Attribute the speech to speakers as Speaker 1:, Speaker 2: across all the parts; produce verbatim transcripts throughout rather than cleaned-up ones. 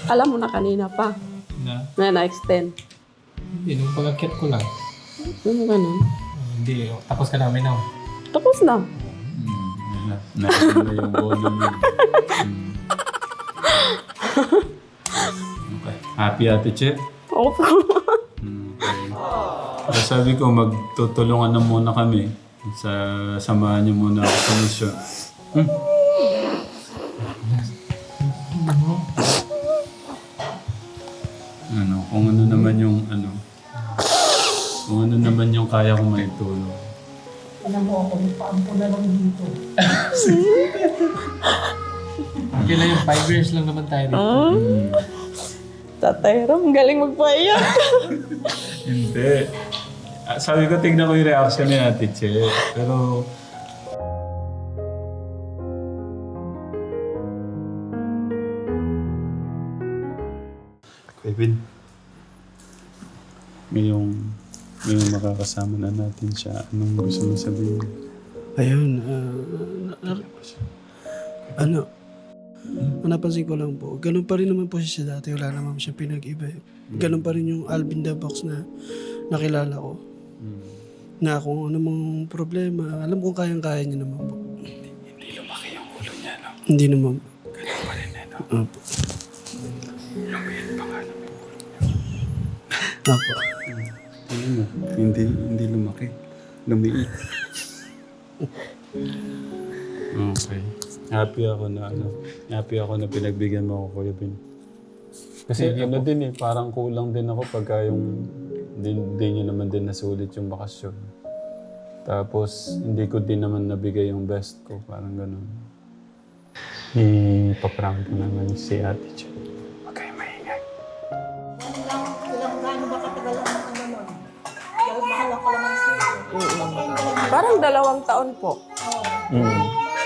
Speaker 1: Alam mo na kanina pa.
Speaker 2: Na?
Speaker 1: Na na-extend.
Speaker 2: Hindi, nung pag-akyat ko lang.
Speaker 1: Ano ganun?
Speaker 2: Hindi, oh, tapos ka namin na.
Speaker 1: Tapos na.
Speaker 3: Hmm, na, na, na yung volume yun. Hmm. Okay. Happy Ate Che?
Speaker 1: Opo.
Speaker 3: Hmm, okay. So, sabi ko, magtutulungan na muna kami. Sa, samahan niyo muna ako sa mission. Hmm. Ano, kung ano naman yung ano, kung ano naman yung kaya kong maitulong.
Speaker 4: Alam mo ako, nagpaampo na lang dito.
Speaker 2: Okay lang yung five years lang naman tayo dito.
Speaker 1: Ah,
Speaker 3: Hmm.
Speaker 1: Tatay Ram, galing magpaiyak.
Speaker 3: Hindi. Ah, sabi ko, tignan ko yung reaction ni Ate Che. Pero... Kevin. Ngayong, ngayong makakasama na natin siya, anong gusto mo sabihin?
Speaker 5: Ayun, ah, na- na- ano, napansin ko lang po, ganun pa rin naman po siya sa dati, wala naman siya pinag-iba. eh. Ganun pa rin yung Alvin the Box na nakilala ko.
Speaker 3: Hmm.
Speaker 5: Na kung ano mang problema, alam kong kayang-kaya niya naman po.
Speaker 3: Hindi lumaki yung ulo niya, no?
Speaker 5: Hindi naman po.
Speaker 3: Ganun pa rin, eh, no?
Speaker 5: Opo.
Speaker 3: Lumiit pa nga naman.
Speaker 5: Opo.
Speaker 3: Ano mo? Hindi, hindi lumaki. Lumiit. Okay. Happy ako na ano. Happy ako na pinagbigyan mo ako, Kuya Ben. Kasi ano din eh, parang kulang din ako pagka yung hindi, hindi nyo naman din nasulit yung bakasyon. Tapos hindi ko din naman nabigay yung best ko, parang ganun. Ipaprank ko naman si Ate Che. Huwag kayo maingay.
Speaker 4: Ilang, ilang gaano ba katagal ang ano nun? Dahil mahal ako lang ang sila.
Speaker 1: Parang dalawang taon po.
Speaker 3: Mm.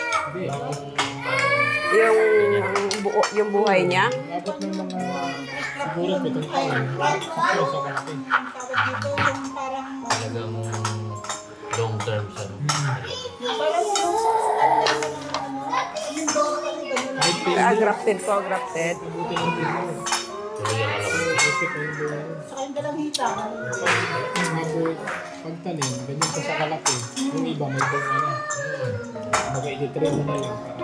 Speaker 1: Yung, buo, yung buhay niya.
Speaker 2: Dapat ng mga siguro pitong taon. Siguro sa kalaki.
Speaker 4: Tawag dito yung parang,
Speaker 6: Talagang long term siya. No?
Speaker 4: parang yung sa ano, yung doon kami ganun.
Speaker 1: Ah, grafted po, grafted.
Speaker 2: Buti lang din yun.
Speaker 6: Tuloy ang alam ko.
Speaker 2: Kasi pa yung buhay.
Speaker 4: Saka yung dalawita.
Speaker 2: Yung mga buhay, pagtanim, ganyan pa sa kalaki. Yung iba may bunga na. Mag-i-train mo na lang para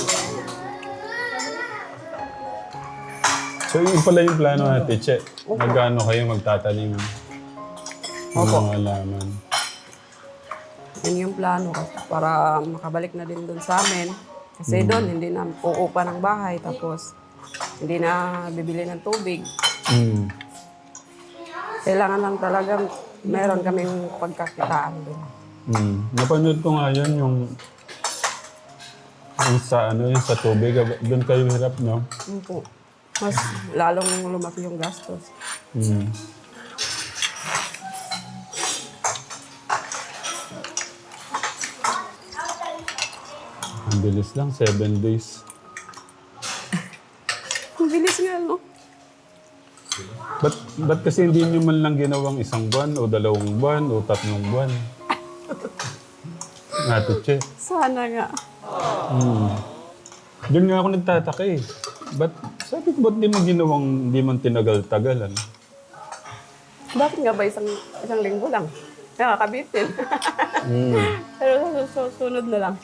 Speaker 3: So yun pala yung plano, Ate Che. Magkano kayo magtatanim ng mga halaman?
Speaker 1: Yun yung plano ko para makabalik na din doon sa amin. Kasi doon, hindi na uupa ng bahay. Tapos, hindi na bibili ng tubig.
Speaker 3: Mm.
Speaker 1: Kailangan lang talagang meron kaming pagkakitaan doon.
Speaker 3: Mm. Napanood ko nga yun, yung, yung sa ano, yung sa tubig. Doon kayo hirap, no?
Speaker 1: Yun po. Mas lalong lumaki yung gastos.
Speaker 3: Mm. Ang bilis lang, seven days.
Speaker 1: Ang bilis nga, no?
Speaker 3: Ba't, ba't kasi hindi nyo man lang ginawang isang buwan o dalawang buwan o tatlong buwan? Ate Che.
Speaker 1: Sana nga.
Speaker 3: Hmm. Doon nga ako nagtataka eh. Ba't, sabi ko ba't di mo ginawang, di man tinagal-tagalan?
Speaker 1: Bakit nga ba isang, isang linggo lang? Nakakabitin.
Speaker 3: Hmm.
Speaker 1: Pero sa susunod na lang.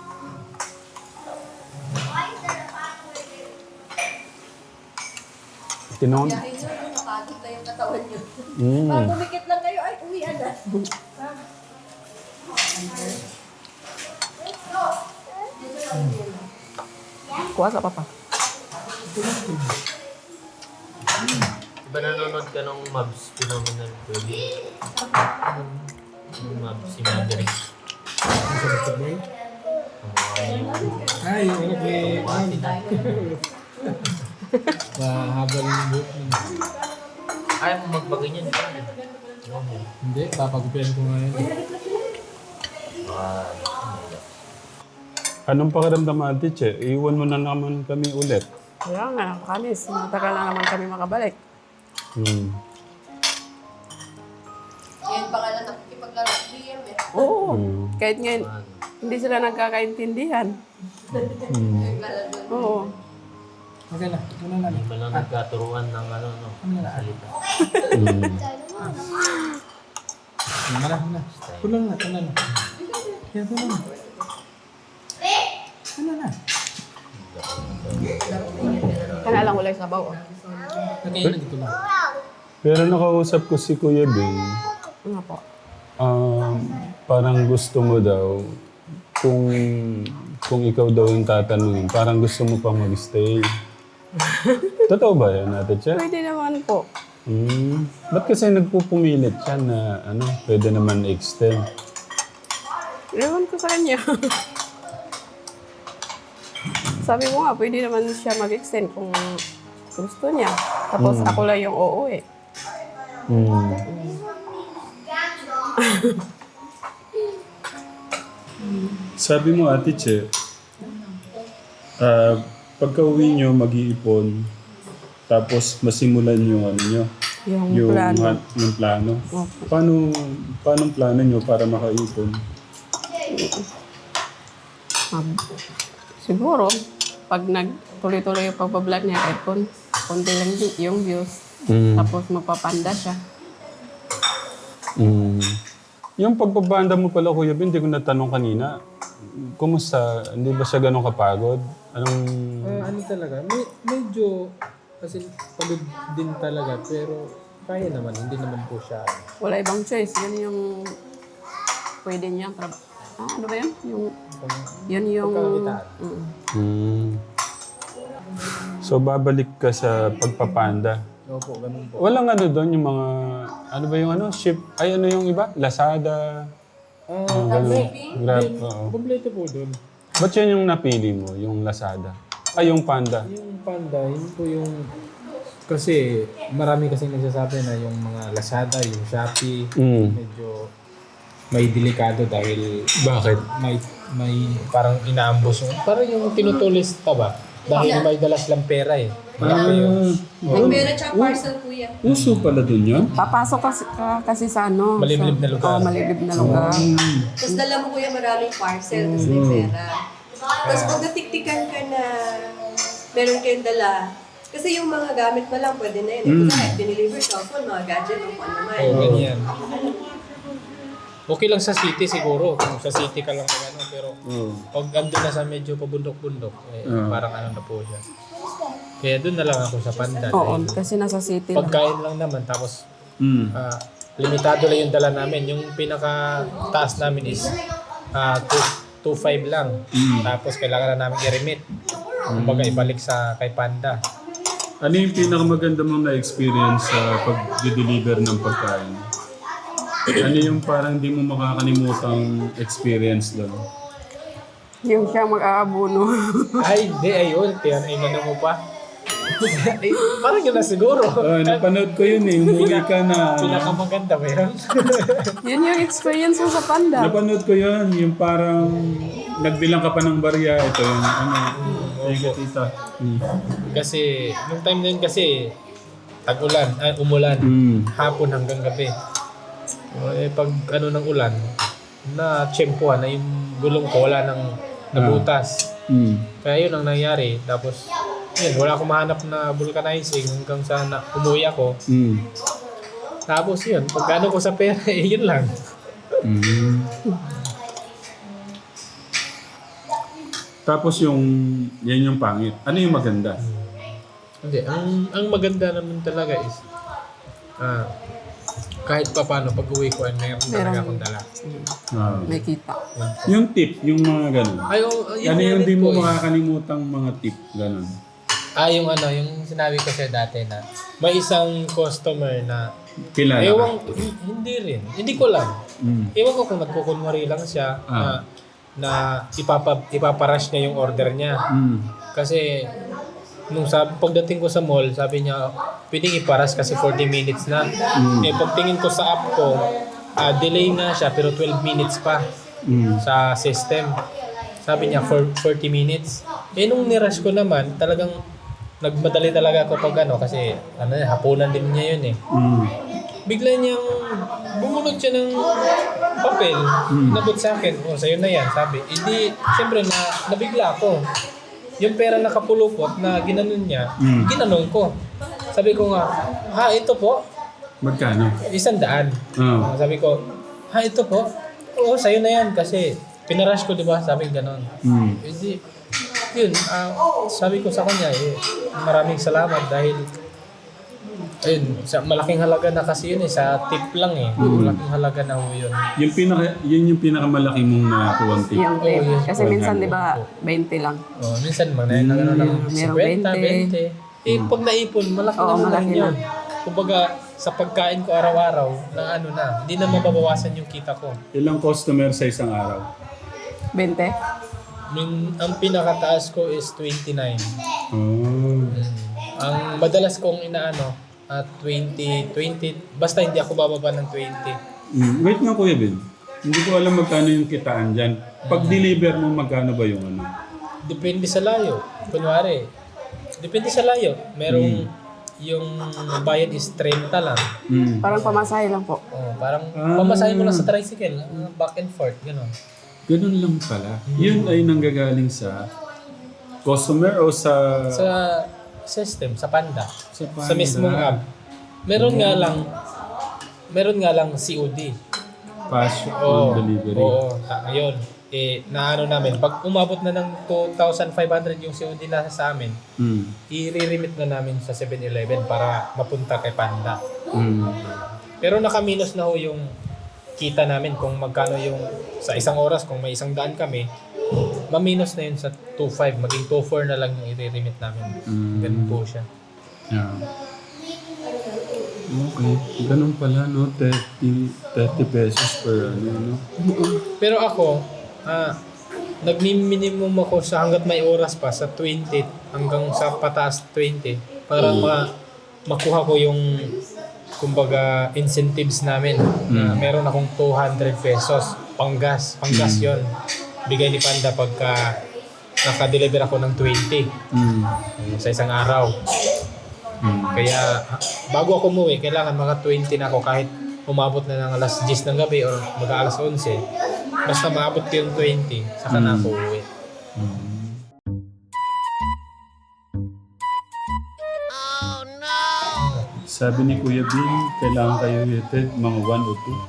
Speaker 3: Tinon.
Speaker 4: Kaya yun, napagod na yung katawan nyo.
Speaker 3: Hmm.
Speaker 4: Pag bumikit lang kayo, ay, uwian na.
Speaker 1: Kuha sa papa.
Speaker 6: Diba nanonood ka nung Mavs? Phenomenal Baby? Nung Mavs, si Maverick.
Speaker 2: sa basketball. Ay, yung anak ni Mahabal yung buhok niya.
Speaker 6: Ayaw mo magbaganyan.
Speaker 2: Hindi, papagupian ko nga yan.
Speaker 6: Ah,
Speaker 3: Anong pakiramdam, Ate Che? Iwan mo na naman kami ulit.
Speaker 1: Kaya nga, kamis. Matagal na naman kami makabalik.
Speaker 3: Hmm.
Speaker 4: Yan pa nga lang nakikipaglaro sa D M eh.
Speaker 1: Oo.
Speaker 3: Hmm.
Speaker 1: Kahit ngayon, hindi sila nagkakaintindihan.
Speaker 3: Hmm.
Speaker 1: Oo.
Speaker 2: Okay na. Muna na.
Speaker 6: Hindi ba lang nagkaturuan ng ano, no? Salita.
Speaker 3: Mm.
Speaker 2: Muna na. Muna. Kulang na. Kulang na. Yan, kulang na. Kulang na.
Speaker 1: Kana lang wala sabaw. Oh.
Speaker 2: Nakain na dito na.
Speaker 3: Pero nakausap ko si Kuya Ben,
Speaker 1: Ano po?
Speaker 3: um, parang gusto mo daw, kung kung ikaw daw yung tatanungin, parang gusto mo pang mag-stay. Totoo ba yan, Ate Che?
Speaker 1: Pwede naman po.
Speaker 3: Hmm. Ba't kasi nagpupumilit siya na ano, pwede naman extend?
Speaker 1: Ewan ko sa kanya. Sabi mo nga, pwede naman siya mag-extend kung gusto niya. Tapos ako lang yung uuwi.
Speaker 3: Hmm. Sabi mo, Ate Che, ah, pagka uwi nyo, mag-iipon, tapos masimulan yung ano nyo,
Speaker 1: Yung,
Speaker 3: yung
Speaker 1: plano.
Speaker 3: ha- yung plano.
Speaker 1: Opo.
Speaker 3: Paano, paano ang plano nyo para makaipon?
Speaker 1: Um, siguro, pag nagtuloy-tuloy yung pagbablog niya, kahit kon, konti lang di- yung views.
Speaker 3: Mm.
Speaker 1: Tapos mapapanda siya.
Speaker 3: Mm. Yung pagbabanda mo pala, Kuya Ben, hindi ko natanong kanina. Kumusta? Hindi ba siya ganun kapagod? Anong...
Speaker 2: Ah, ano talaga, may, medyo, kasi pagod din talaga, pero kaya naman, hindi naman po siya.
Speaker 1: Wala ibang choice. Yun yung pwede niyang trabaho. Ah, ano ba yun? Yung, yun yung...
Speaker 2: Pagkakakitaan.
Speaker 1: Mm.
Speaker 3: Mm. So, babalik ka sa pagpapanda.
Speaker 2: Opo, ganun po.
Speaker 3: Walang ano doon, yung mga... Ano ba yung ano? Ship? Ay, ano yung iba? Lazada?
Speaker 2: Ah,
Speaker 3: Ang ganun. Grab, oo.
Speaker 2: kompleto po doon.
Speaker 3: Ba't yun yung napili mo? Yung Lazada? Ay, yung Panda?
Speaker 2: Yung Panda, yun po yung... Kasi marami kasing nagsasabi na yung mga Lazada, yung Shopee,
Speaker 3: Mm.
Speaker 2: medyo may delikado dahil
Speaker 3: Bakit?
Speaker 2: may may parang inaambos yung... Parang yung tinutulis ta ba? Dahil may dalas lang pera eh. Malaki yung...
Speaker 3: Oh,
Speaker 7: Meron siyang parcel, kuya.
Speaker 3: uso pala dun yun?
Speaker 1: Papasok kasi, ka, kasi sa ano.
Speaker 2: Maliblib
Speaker 1: sa,
Speaker 2: na lugar.
Speaker 1: Oo, maliblib na lugar.
Speaker 7: Tapos dala mo, kuya, maraming parcel, tapos may pera. Tapos pag natiktikan ka na meron kayong dala, kasi yung mga gamit mo lang, pwede na yun. Eh. Kasi diniliver cellphone, mga gadget, o kung ano man.
Speaker 2: Oh, ganyan. Okay lang sa city siguro, kung sa city ka lang ng ano, pero
Speaker 3: Oo.
Speaker 2: pag andun na sa medyo pabundok-bundok, eh,
Speaker 3: Oo.
Speaker 2: parang ano na po siya. Kaya doon na lang ako sa Panda.
Speaker 1: Oo,
Speaker 2: dahil
Speaker 1: kasi nasa city lang.
Speaker 2: pagkain lang naman, tapos
Speaker 3: Mm.
Speaker 2: ah, limitado lang yung dala namin. Yung pinaka taas namin is uh, two five lang. Tapos kailangan na namin i-remit. Kumbaga ibalik sa kay Panda.
Speaker 3: Ano yung pinakamaganda mong na-experience sa pag-deliver ng pagkain? Ano yung parang di mo makakalimutang experience doon?
Speaker 1: Yung siya mag-aabuno.
Speaker 2: Ay, di, ayun. Tiyan, ay ano mo pa. Ay, parang yun na siguro.
Speaker 3: Oh, napanood ko yun eh. Umuwi ka na.
Speaker 2: Pinakamaganda ba yun?
Speaker 1: Yun yung experience mo sa Panda.
Speaker 3: Napanood ko yun. Yung parang nagbilang ka pa ng barya. Ito yung ano. Ay, tita. Mm.
Speaker 2: Kasi, nung time na yun kasi, tag-ulan, ay, umulan.
Speaker 3: Mm.
Speaker 2: Hapon hanggang gabi. Eh, pag ano ng ulan, na tsempuhan na yung gulong ko, wala nang nabutas.
Speaker 3: Mm.
Speaker 2: Kaya yun ang nangyari. Tapos, yun, wala akong mahanap na vulcanizing hanggang sa na, umuwi ako.
Speaker 3: Mm.
Speaker 2: Tapos yun, pagkano ko sa pera, eh, yun lang.
Speaker 3: Mm. Tapos yung, yan yung pangit. Ano yung maganda?
Speaker 2: Hindi, ang, ang maganda naman talaga is, ah, kahit pa paano, pag uwi ko, ay meron talaga
Speaker 1: Meron.
Speaker 2: akong dala.
Speaker 3: Ah.
Speaker 1: May kita.
Speaker 3: Yung tip, yung mga ganun.
Speaker 2: Ay, oh, yun
Speaker 3: Ano
Speaker 2: nga
Speaker 3: yung
Speaker 2: rin
Speaker 3: di mo
Speaker 2: po eh.
Speaker 3: makakalimutang mga tip? Ganun.
Speaker 2: Ah, yung ano, yung sinabi ko siya dati na may isang customer na
Speaker 3: Kilala ka?
Speaker 2: ewan, hindi rin. Hindi ko lang.
Speaker 3: Mm.
Speaker 2: Ewan ko kung nagkukunwari lang siya
Speaker 3: Ah.
Speaker 2: na, na ipapa, ipaparash niya yung order niya.
Speaker 3: Mm.
Speaker 2: Kasi nung sabi, pagdating ko sa mall, sabi niya, pwedeng iparas kasi forty minutes na. Eh, pagtingin ko sa app ko, ah, delay nga siya pero twelve minutes pa
Speaker 3: Mm.
Speaker 2: sa system. Sabi niya, for forty minutes. Eh, nung nirush ko naman, talagang nagmadali talaga ako pag ano, kasi ano, hapunan din niya yun eh.
Speaker 3: Mm.
Speaker 2: Bigla niyang bumunod siya ng papel,
Speaker 3: Mm.
Speaker 2: nabot sa akin, oh, sa'yo na yan, sabi. Hindi, siyempre na, nabigla ako. yung pera nakapulupot na ginanon niya,
Speaker 3: Mm.
Speaker 2: ginanon ko. Sabi ko nga, ha, ito po,
Speaker 3: Magkano?
Speaker 2: isang daan.
Speaker 3: Ah.
Speaker 2: Sabi ko, ha, ito po, oo, sa'yo na yan kasi pinarush ko, di ba? Sabi ko ganon.
Speaker 3: Mm.
Speaker 2: Hindi, yun, ah, sabi ko sa kanya, eh, maraming salamat dahil ayun, sa malaking halaga na kasi yun eh, sa tip lang eh. Malaking halaga na ho yun.
Speaker 3: Yung pinaka, yun yung pinakamalaki mong nakakuha tip.
Speaker 1: Yung tip.
Speaker 2: Oo, yes.
Speaker 1: Kasi minsan, di ba, twenty lang.
Speaker 2: Oh, minsan mga na, na, na,
Speaker 1: Mm, merong
Speaker 2: fifty,
Speaker 1: twenty.
Speaker 2: twenty. Eh, pag naipon, malaki
Speaker 1: Oo,
Speaker 2: naman
Speaker 1: malaki
Speaker 2: yun. Kumbaga, sa pagkain ko araw-araw, na ano na, hindi na mababawasan yung kita ko.
Speaker 3: Ilang customer sa isang araw?
Speaker 1: twenty?
Speaker 2: Min, ang pinakataas ko is twenty-nine.
Speaker 3: Oh.
Speaker 2: Ang madalas kong inaano, at twenty, twenty, basta hindi ako bababa ng twenty.
Speaker 3: Mm. Wait nga Kuya Ben. Hindi ko alam magkano yung kitaan dyan. Pag deliver mo, magkano ba yung ano?
Speaker 2: Depende sa layo. Kunwari, depende sa layo. Merong yung bayad is thirty lang.
Speaker 3: Mm.
Speaker 1: Parang pamasahe lang po.
Speaker 2: Oh, parang
Speaker 3: Ah.
Speaker 2: pamasahin mo lang sa tricycle, uh, back and forth, gano'n.
Speaker 3: Ganun lang pala. Yun ay nanggagaling sa customer o sa...
Speaker 2: Sa system, sa Panda,
Speaker 3: Sa
Speaker 2: sa mismong app. Meron nga lang, meron nga lang C O D.
Speaker 3: Fast
Speaker 2: Oo,
Speaker 3: on delivery.
Speaker 2: oo. Ta- Ngayon, eh, na ano namin, pag umabot na ng two thousand five hundred yung C O D na sa amin,
Speaker 3: Mm.
Speaker 2: i-remit na namin sa seven eleven para mapunta kay Panda.
Speaker 3: Mm.
Speaker 2: Pero naka-minus na ho yung kita namin kung magkano yung sa isang oras, kung may isang daan kami, ma-minus na yun sa two five, maging two four na lang yung i-remit namin.
Speaker 3: Mm.
Speaker 2: Ganun po siya.
Speaker 3: Yeah. Okay. Ganun pala, no? thirty, thirty pesos per ano, no?
Speaker 2: Pero ako, ah, nagmi-minimum ako sa hanggat may oras pa sa twenty hanggang sa pataas twenty para ma makuha ko yung kumbaga incentives namin. Na meron akong two hundred pesos panggas, panggas yon. Bigay ni Panda pagka naka-deliver ako ng twenty
Speaker 3: Mm.
Speaker 2: sa isang araw.
Speaker 3: Mm.
Speaker 2: Kaya ha- bago ako umuwi, kailangan mga twenty na ako kahit umabot na ng alas ten ng gabi or mag-alas eleven. Basta maabot ko yung twenty, saka na ako uwi.
Speaker 3: Sabi ni Kuya Bin, kailangan kayo hitid mga one o two.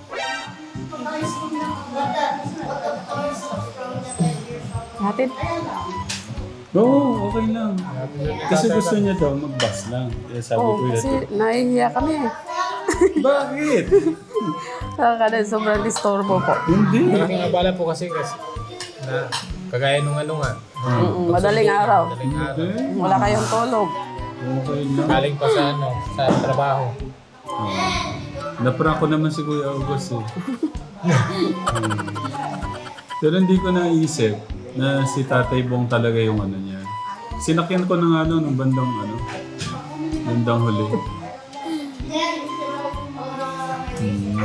Speaker 1: Hatid.
Speaker 3: Oo, okay lang. Kasi gusto niya daw mag-bus lang. Kaya sabi
Speaker 1: Oo,
Speaker 3: ko
Speaker 1: kasi
Speaker 3: yun.
Speaker 1: nahihiya kami.
Speaker 3: Bakit?
Speaker 1: Kada sobrang disturbo po.
Speaker 3: Hindi.
Speaker 2: Malaking abala po kasi kasi na kagaya nung ano nga.
Speaker 1: Mm, madaling araw.
Speaker 2: Madaling araw.
Speaker 1: Wala kayong tulog.
Speaker 3: Okay lang.
Speaker 2: Galing pa sa ano, sa trabaho.
Speaker 3: Naprank ko naman si Kuya August eh. Hmm. Pero hindi ko naisip na si Tatay Bong talaga yung ano niya. Sinakyan ko ng ano, ng bandang ano, bandang huli. Hmm.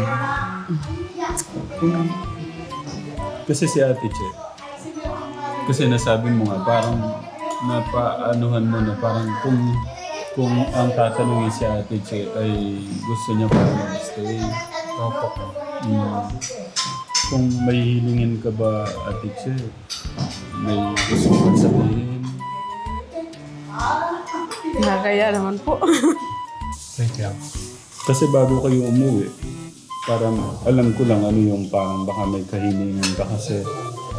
Speaker 3: Kung- Kasi si Ate Che. Kasi nasabi mo nga, parang napaanuhan mo na parang kung kung ang tatanungin si Ate Che ay gusto niya pa mag-stay.
Speaker 2: Opo.
Speaker 3: Mm. Kung may hilingin ka ba, Ate Che, may gusto ka sabihin.
Speaker 1: Nakakaya naman po.
Speaker 2: Wait lang.
Speaker 3: Kasi bago kayo umuwi, parang alam ko lang ano yung parang baka may kahilingan ka kasi.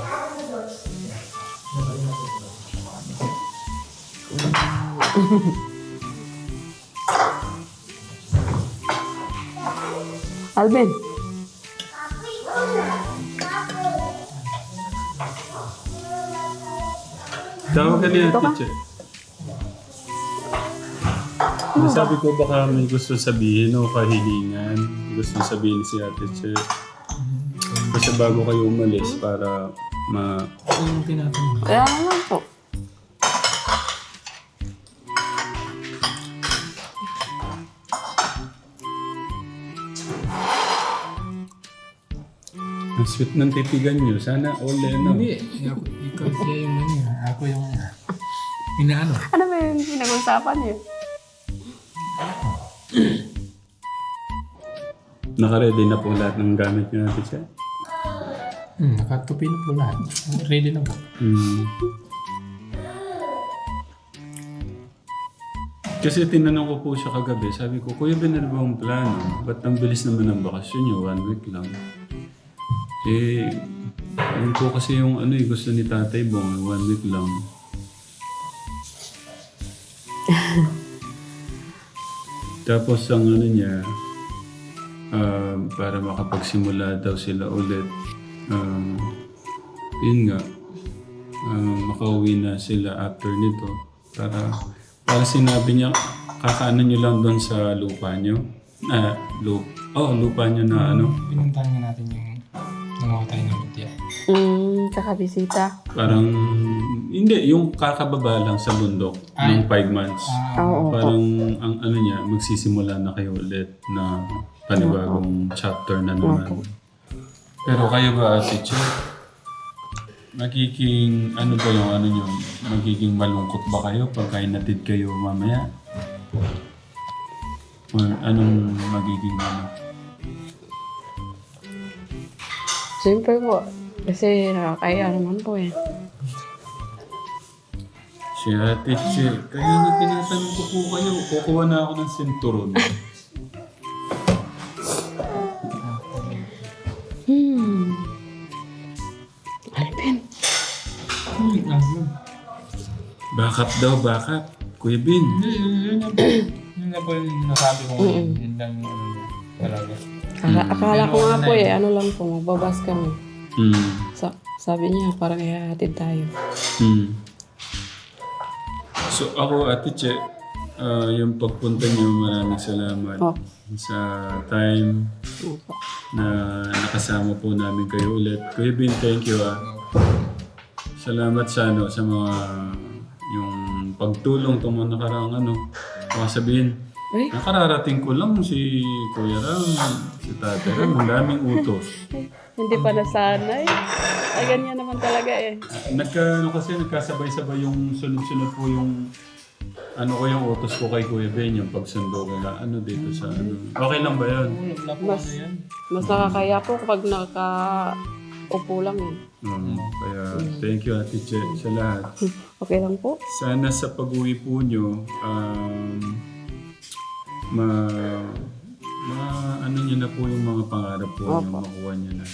Speaker 1: Alvin.
Speaker 3: Tawag ka ni
Speaker 1: Dito
Speaker 3: Ate
Speaker 1: ka?
Speaker 3: Che. Nasabi ko baka may gusto sabihin o kahilingan. Gusto sabihin si Ate Che. Kasi bago kayo umalis para ma...
Speaker 2: Yung tinatanong.
Speaker 1: Kaya naman po.
Speaker 3: Ang sweet ng titigan nyo. Sana all ano.
Speaker 2: Hindi. Ako, ikaw siya yung ano yun. Ako yung inaano.
Speaker 1: Ano ba yung pinag-usapan niyo?
Speaker 3: Naka-ready na po lahat ng gamit nyo Ate Che?
Speaker 2: Hmm, nakatupi na po lahat. Ready na po.
Speaker 3: Mm. Kasi tinanong ko po siya kagabi, sabi ko, Kuya Ben, ano ba ang plano? Ba't ang bilis naman ng bakasyon niyo? One week lang. Eh, yun po kasi yung ano eh, gusto ni Tatay Bong, one week lang. Tapos ang ano niya, ah, para makapagsimula daw sila ulit, um, yun nga, ah, makauwi na sila after nito. Para, para sinabi niya, kakaano niyo lang doon sa lupa niyo. Ah, lupa. Oh, lupa niyo na ano.
Speaker 2: Pinuntahan nga natin yung nangawa tayo ng lutya.
Speaker 1: Mm, kakabisita.
Speaker 3: Parang, hindi, yung kakababa lang sa bundok ng five months.
Speaker 1: Oo.
Speaker 3: Parang, ang ano niya, magsisimula na kayo ulit na panibagong chapter na naman. Pero kayo ba, teacher? Magiging, ano ba yung ano niyo? Magiging malungkot ba kayo pagka inatid kayo mamaya? Or anong magiging ano?
Speaker 1: Siyempre po. Kasi nakakaya naman po eh.
Speaker 3: Si Ate Che, kaya nga tinatanong ko po kayo, kukuha na ako ng sinturon.
Speaker 1: Hmm. Alvin.
Speaker 3: Backup daw, backup. Kuya Bin.
Speaker 2: Yun na po. Yun na po yung nasabi ko ngayon. Yun lang yung ano niya. Talaga.
Speaker 1: Akala, akala ko nga po eh, ano lang po, magbabas kami.
Speaker 3: Hmm.
Speaker 1: Sa, sabi niya, parang ihahatid tayo.
Speaker 3: Hmm. So ako, Ate Che, ah, yung pagpunta niyo, maraming salamat
Speaker 1: Oh.
Speaker 3: sa time
Speaker 1: Opo.
Speaker 3: na nakasama po namin kayo ulit. Kuya Bin, thank you ah. Salamat sa ano, sa mga yung pagtulong itong mga nakaraang ano. Baka sabihin,
Speaker 1: Ay.
Speaker 3: nakararating ko lang si Kuya Ram, si Tate Ram, ang daming utos.
Speaker 1: Hindi pa nasanay. Ay, ganyan naman talaga eh.
Speaker 3: Nagka, ano kasi, nagkasabay-sabay yung sunod-sunod po yung ano ko yung utos ko kay Kuya Ben, yung pagsundo ko na ano dito sa ano. Okay lang ba yan?
Speaker 1: Mas, mas nakakaya po kapag nakaupo lang eh.
Speaker 3: Um, kaya thank you Ate Che sa lahat.
Speaker 1: Okay lang po.
Speaker 3: Sana sa pag-uwi po nyo, um, ma, ma, ano nyo na po yung mga pangarap po nyo, makuha nyo na.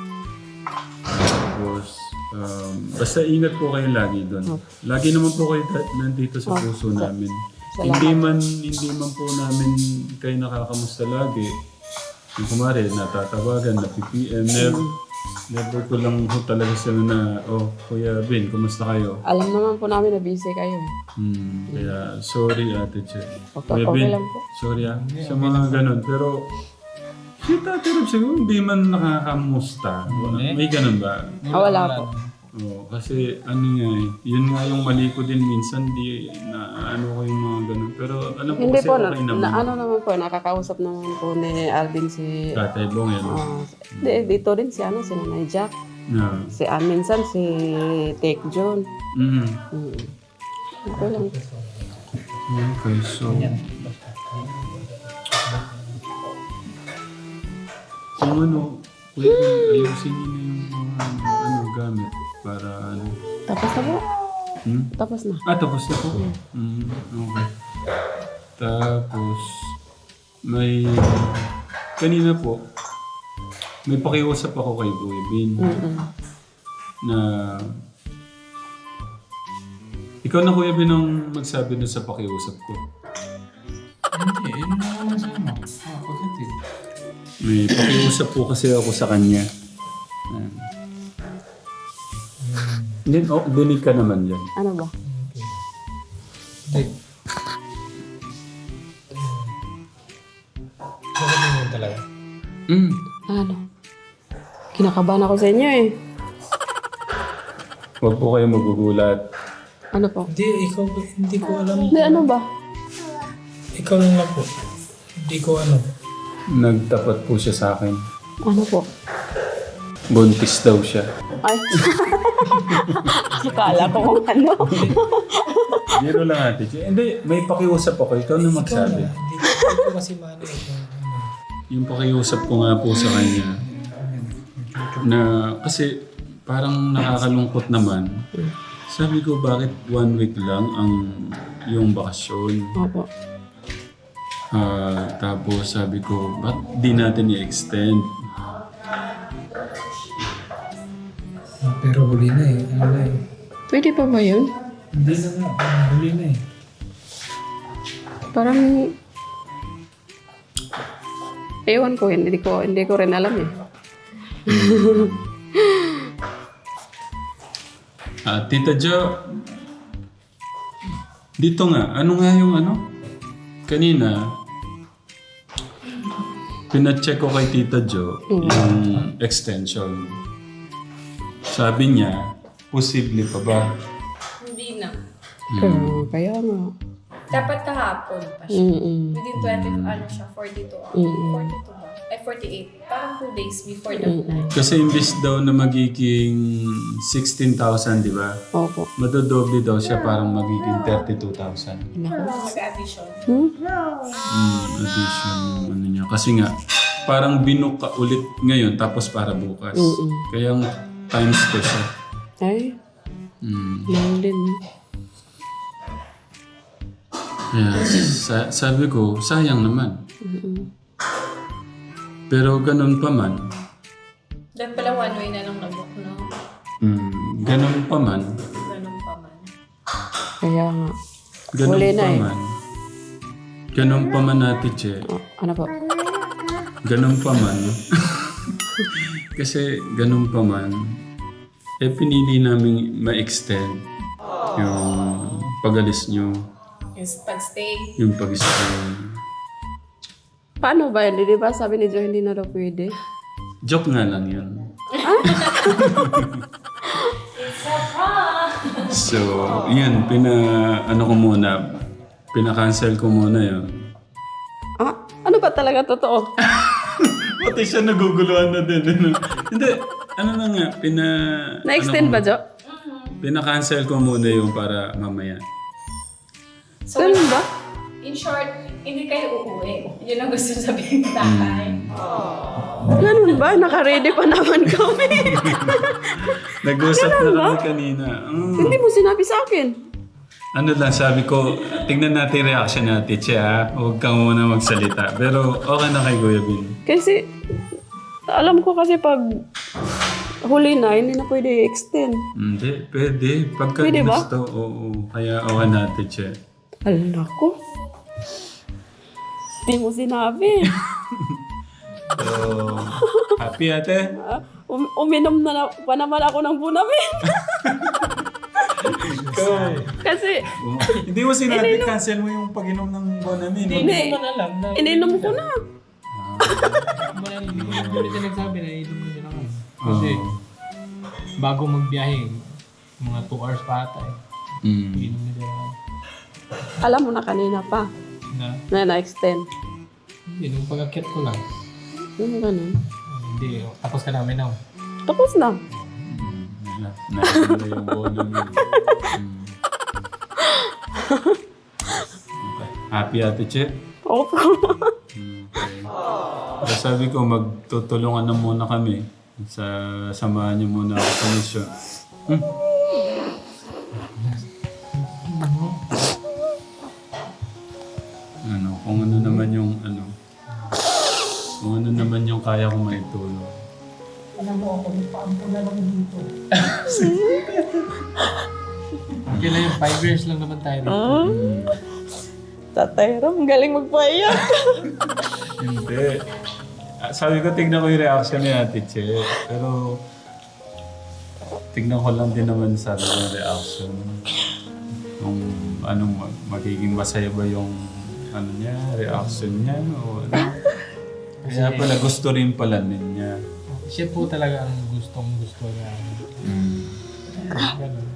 Speaker 3: Tapos, um, basta ingat po kayo lagi doon. Lagi naman po kayo da- nandito sa puso namin. Hindi man, hindi man po namin kayo nakakamusta lagi. Yung kumari, natatawagan, na P P M, never, never ko lang po talaga sila na, oh, Kuya Ben, kumusta kayo?
Speaker 1: Alam naman po namin na busy kayo eh.
Speaker 3: Hmm, kaya sorry Ate Che.
Speaker 1: Okay,
Speaker 3: Kuya
Speaker 1: okay
Speaker 3: Ben,
Speaker 1: lang po.
Speaker 3: sorry ah. Sa mga ganun. Pero, si Tate Rob siguro hindi man nakakamusta. May ganun ba?
Speaker 1: Ah, wala po.
Speaker 3: Oo, kasi ano nga eh, yun nga yung mali ko din minsan, di na ano ko yung mga ganun. Pero alam ko
Speaker 1: Hindi
Speaker 3: kasi
Speaker 1: po, na,
Speaker 3: okay naman.
Speaker 1: na ano naman po, nakakausap naman po ni Alvin si...
Speaker 3: Tatay Bong yan.
Speaker 1: ah, di, dito rin si ano, si Nanay Jack.
Speaker 3: Na.
Speaker 1: Si ah, minsan si Take John.
Speaker 3: Mm.
Speaker 1: Hmm. Okay lang.
Speaker 3: Okay, so... Yung ano, kuya, ayusin niyo na yung mga ano, gamit para ano.
Speaker 1: Tapos na po.
Speaker 3: Hmm?
Speaker 1: Tapos na.
Speaker 3: Ah, tapos na po. Mm, okay. Tapos, may... Kanina po, may pakiusap ako kay Kuya Bin na... Ikaw na Kuya Bin ang magsabi na sa pakiusap ko.
Speaker 2: Hindi, yun na naman sama. Ah, pagkatid.
Speaker 3: May pakiusap po kasi ako sa kanya. Ayan. Hindi, oh, dinig ka naman yan.
Speaker 1: Ano ba?
Speaker 2: Hindi. Bakit yun talaga?
Speaker 3: Mm.
Speaker 1: Ano? Kinakabahan ako sa inyo eh.
Speaker 3: Huwag po kayo magugulat.
Speaker 1: Ano po?
Speaker 2: Hindi, ikaw, hindi ko alam.
Speaker 1: Hindi, ano ba?
Speaker 2: Ikaw lang lang po. Hindi ko alam.
Speaker 3: Nagtapat po siya sa akin.
Speaker 1: Ano po?
Speaker 3: Buntis daw siya.
Speaker 1: Ay. Akala ko kung ano.
Speaker 3: Biro lang ate. Hindi, may pakiusap ako. Ikaw na magsabi.
Speaker 2: Hindi ko, hindi ko kasi mano eh. kung ano.
Speaker 3: Yung pakiusap ko nga po sa kanya na kasi parang nakakalungkot naman sabi ko, bakit one week lang ang yung bakasyon?
Speaker 1: Opo.
Speaker 3: Ah, tapos sabi ko, ba't di natin i-extend?
Speaker 2: Pero huli na eh. Ano na eh.
Speaker 1: Pwede pa ba yun?
Speaker 2: Hindi na nga. Huli na eh.
Speaker 1: Parang... Ewan ko, hindi ko, hindi ko rin alam eh.
Speaker 3: Ah, Tita Jo, dito nga, ano nga yung ano? Kanina, pinacheck ko kay Tita Jo yung extension. Sabi niya, posible pa ba?
Speaker 8: Hindi na.
Speaker 1: Pero, kaya nga.
Speaker 8: Dapat kahapon pa siya.
Speaker 1: Mm-mm.
Speaker 8: Within twenty, ano siya, forty-two.
Speaker 1: Mm.
Speaker 8: forty-two ba? Ay, forty-eight. Parang two days before the flight.
Speaker 3: Kasi imbis daw na magiging sixteen thousand, di ba?
Speaker 1: Opo.
Speaker 3: Madodoble daw siya, parang magiging thirty-two thousand.
Speaker 8: Mag-addition.
Speaker 1: Hmm?
Speaker 3: Mm, addition yung ano niya. Kasi nga, parang binook ka ulit ngayon tapos para bukas.
Speaker 1: Mm-mm.
Speaker 3: Kaya nga, times two siya.
Speaker 1: Ay,
Speaker 3: Mm.
Speaker 1: mahal din.
Speaker 3: Kaya sa- sabi ko, sayang naman.
Speaker 1: Mm-mm.
Speaker 3: Pero ganun pa man,
Speaker 8: Dapat pala one way na lang nag-book, no?
Speaker 3: mm, ganun pa man,
Speaker 8: Ganun pa man.
Speaker 1: Kaya nga.
Speaker 3: ganun
Speaker 1: Huli na
Speaker 3: pa
Speaker 1: eh.
Speaker 3: man, ganun pa man natin, Che.
Speaker 1: Oh, ano po?
Speaker 3: Ganun pa man. Kasi ganun pa man, eh pinili namin ma-extend yung pag-alis nyo,
Speaker 8: Yung pag-stay.
Speaker 3: yung pag-stay.
Speaker 1: Paano ba yun? Di ba sabi ni Joe hindi na daw pwede?
Speaker 3: Joke nga lang yun. So, yun, pina, ano ko muna, pina-cancel ko muna yun.
Speaker 1: Ah, ano ba talaga totoo?
Speaker 3: Pati siya naguguluhan na din. Ano? Hindi, ano na nga, pina...
Speaker 1: Na-extend
Speaker 3: ano
Speaker 1: ba,
Speaker 3: ko-
Speaker 1: Jo?
Speaker 3: Pina-cancel ko muna yung para mamaya.
Speaker 8: So,
Speaker 1: Ganun ba?
Speaker 8: in short, hindi kayo uuwi. Yun ang gusto sabihin ng tatay.
Speaker 1: Ganun ba? Naka-ready pa naman kami.
Speaker 3: Nag-usap na kami kanina. Mm.
Speaker 1: Hindi mo sinabi sa akin.
Speaker 3: Ano lang, sabi ko, tignan natin reaction natin, Che, ha? Huwag kang muna magsalita. Pero okay na kay Kuya Bin.
Speaker 1: Kasi, alam ko kasi pag huli na, hindi na pwede i-extend.
Speaker 3: Hindi, pwede. Pagka
Speaker 1: Pwede ba?
Speaker 3: gusto, oo. Kaya okay natin, Che.
Speaker 1: Alam ko. Hindi mo sinabi.
Speaker 3: So, happy ate?
Speaker 1: Ah, um- uminom na, na pa naman ako ng bunamin. Kasi,
Speaker 3: Oo. Hindi mo sinabi, cancel mo yung pag-inom ng Bonamine.
Speaker 1: hindi.
Speaker 2: Hindi mo na alam na.
Speaker 1: Ininom ko na.
Speaker 2: Hindi ko hindi ko nagsabi na inom mo din ako. Kasi bago magbiyahe, mga two hours pa ata eh.
Speaker 3: Mm.
Speaker 2: Inom nila ako.
Speaker 1: Alam mo na kanina pa
Speaker 2: Na,
Speaker 1: na na-extend.
Speaker 2: hindi, nung pag-akyat ko lang.
Speaker 1: Ano ganun?
Speaker 2: Hindi, tapos ka namin ako.
Speaker 1: Tapos na.
Speaker 3: Na, na yung Bonamine. Mm. Okay. Happy ate, Che?
Speaker 1: Opo.
Speaker 3: So, sabi ko, magtutulungan na muna kami. Sa samahan niyo muna ako sa mission. Hmm. Ano, kung ano naman yung ano, kung ano naman yung kaya kong maitulong.
Speaker 4: Alam mo ako, paampo na lang dito.
Speaker 2: Okay lang yung five years lang naman tayo.
Speaker 1: Ah, Tatay Ram, galing magpaiyak.
Speaker 3: Hindi. Ah, sabi ko, tignan ko yung reaction ni Ate Che. Pero, tignan ko lang din naman sa yung reaction. Kung anong mag- magiging masaya ba yung ano niya, reaction niya, o ano. Kaya pala, gusto rin pala niya.
Speaker 2: Siya po talaga ang gustong gusto niya.
Speaker 3: Mm.
Speaker 2: Ganun.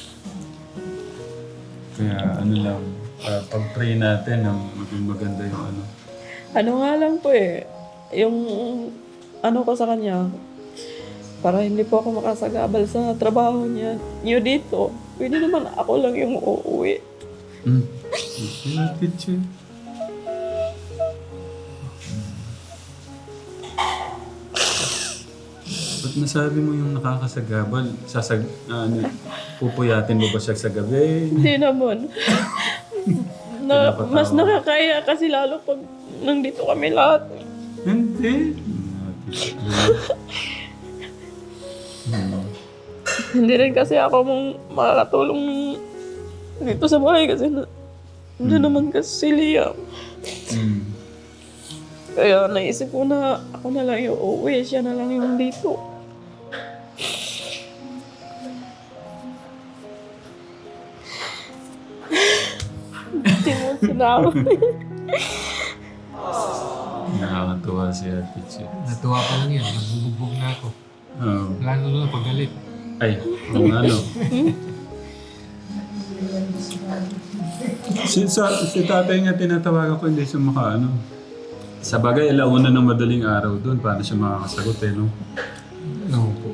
Speaker 3: Kaya ano lang, uh, pag-pray natin na maging maganda yung ano.
Speaker 1: Ano nga lang po eh, yung ano ko sa kanya, para hindi po ako makasagabal sa trabaho niya. Niyo dito, pwede naman ako lang yung uuwi.
Speaker 3: Mm. Okay, Ate Che. Ba't Ba't nasabi mo yung nakakasagabal? Sasag... ano, pupuyatin mo ba siya sa gabi?
Speaker 1: Hindi naman. na,
Speaker 3: Pinapatawa.
Speaker 1: mas nakakaya kasi lalo pag nandito kami lahat.
Speaker 3: Hindi. Hmm.
Speaker 1: Hindi rin kasi ako mong makakatulong dito sa bahay kasi na, nandiyan naman kasi si Liam.
Speaker 3: Hmm.
Speaker 1: Kaya naisip ko na ako na lang yung uuwi, siya na lang yung dito. Hindi mo sinabi.
Speaker 3: Nakakatuwa si Ate Chi.
Speaker 2: Natuwa pa lang yan. Nagbubugbog na ako.
Speaker 3: Oh.
Speaker 2: Lalo na paggalit.
Speaker 3: Ay, kung ano. si, sa, si tatay nga tinatawagan ko, hindi siya makaano. Sa bagay, alauna ng madaling araw doon. Paano siya makakasagot eh, no?
Speaker 2: Oo po.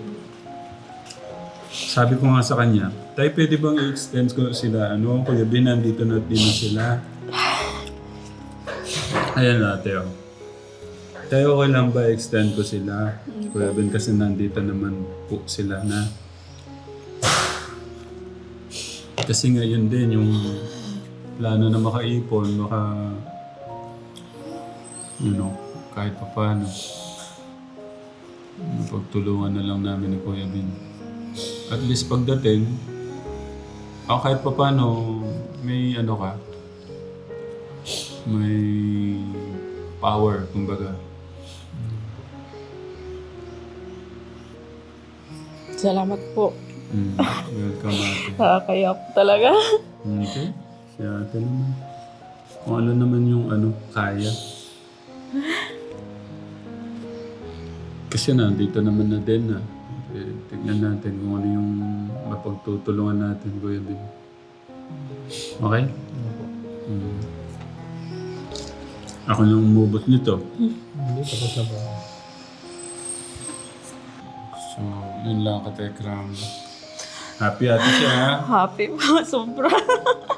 Speaker 3: Sabi ko nga sa kanya, tayo pwede bang i-extend ko sila? Ano, Kuya Bin, nandito na din na sila. Ayan ate, oh. Tayo okay lang ba extend ko sila? Kuya Ben, kasi nandito naman po sila na. Kasi ngayon din yung plano na makaipon, maka... You know, kahit pa paano. Pagtulungan na lang namin ni Kuya Ben. At least pagdating, ako kahit pa paano, may ano ka, may power, kumbaga.
Speaker 1: Salamat po.
Speaker 3: Mm, welcome ate.
Speaker 1: Nakakaya po talaga.
Speaker 3: Okay, si ate naman. Kung ano naman yung ano, kaya. Kasi nandito naman na din na. Eh, tignan natin kung ano yung mapagtutulungan natin, Kuya Ben. Okay? Mm. Ako lang umubot nito.
Speaker 2: Hindi, tapos na ba?
Speaker 3: So, yun lang ka, Tekram. Happy ate siya, ha?
Speaker 1: Happy po, sobra.